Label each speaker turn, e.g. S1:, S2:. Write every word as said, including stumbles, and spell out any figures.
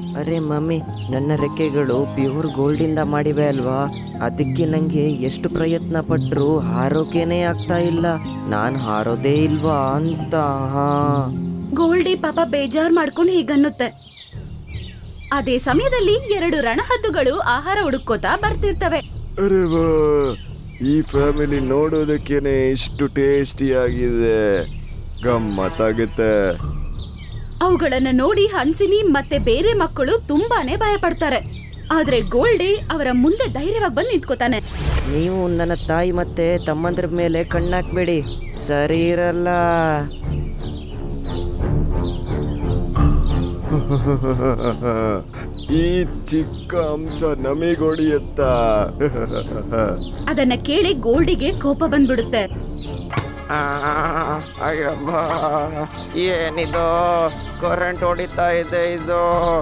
S1: ಅರೆ ಮಮ್ಮಿ, ನನ್ನ ರೆಕ್ಕೆಗಳು ಪ್ಯೂರ್ ಗೋಲ್ಡಿಂದ ಮಾಡಿವೆ ಅಲ್ವಾ, ಅದಕ್ಕೆ ನನಗೆ ಎಷ್ಟು ಪ್ರಯತ್ನ ಪಟ್ಟರು ಹಾರೋಕೇನೆ ಆಗ್ತಾ ಇಲ್ಲ. ನಾನು ಹಾರೋದೇ ಇಲ್ವಾ ಅಂತ. ಹಾ
S2: ಗೋಲ್ಡಿ ಪಾಪ ಬೇಜಾರ್ ಮಾಡ್ಕೊಂಡು ಹೀಗನ್ನುತ್ತೆ. ಅದೇ ಸಮಯದಲ್ಲಿ ಎರಡು ರಣಹದ್ದುಗಳು ಆಹಾರ ಹುಡುಕೋತಾ ಬರ್ತಿರ್ತವೆ.
S3: ಅರೆ ವಾ, ಈ ಫ್ಯಾಮಿಲಿ ನೋಡೋದಕ್ಕೇನೆ ಇಷ್ಟು ಟೇಸ್ಟಿ ಆಗಿದೆ, ಗಮ್ಮತ್ತಾಗುತ್ತೆ.
S2: ಅವುಗಳನ್ನ ನೋಡಿ ಹನ್ಸಿನಿ ಮತ್ತೆ ಬೇರೆ ಮಕ್ಕಳು ತುಂಬಾನೇ ಭಯ ಪಡ್ತಾರೆ. ಆದ್ರೆ ಗೋಲ್ಡಿ ಅವರ ಮುಂದೆ ಧೈರ್ಯವಾಗಿ ಬಂದು ನಿಂತ್ಕೋತಾನೆ.
S1: ನೀವು ನನ್ನ ತಾಯಿ ಮತ್ತೆ ತಮ್ಮಂದ್ರ ಮೇಲೆ ಕಣ್ಣಾಕ್ಬೇಡಿ, ಸರಿ ಇರಲ್ಲ.
S3: ಈ ಚಿಕ್ಕ ಅಂಶ ನಮಿಗೊಡಿಯತ್ತ.
S2: ಅದನ್ನ ಕೇಳಿ ಗೋಲ್ಡಿಗೆ ಕೋಪ ಬಂದ್ಬಿಡುತ್ತೆ.
S1: ಅಯ್ಯಬ್ಬ, ಏನಿದು ಕರೆಂಟ್ ಹೊಡಿತಾ ಇದೆ ಇದು.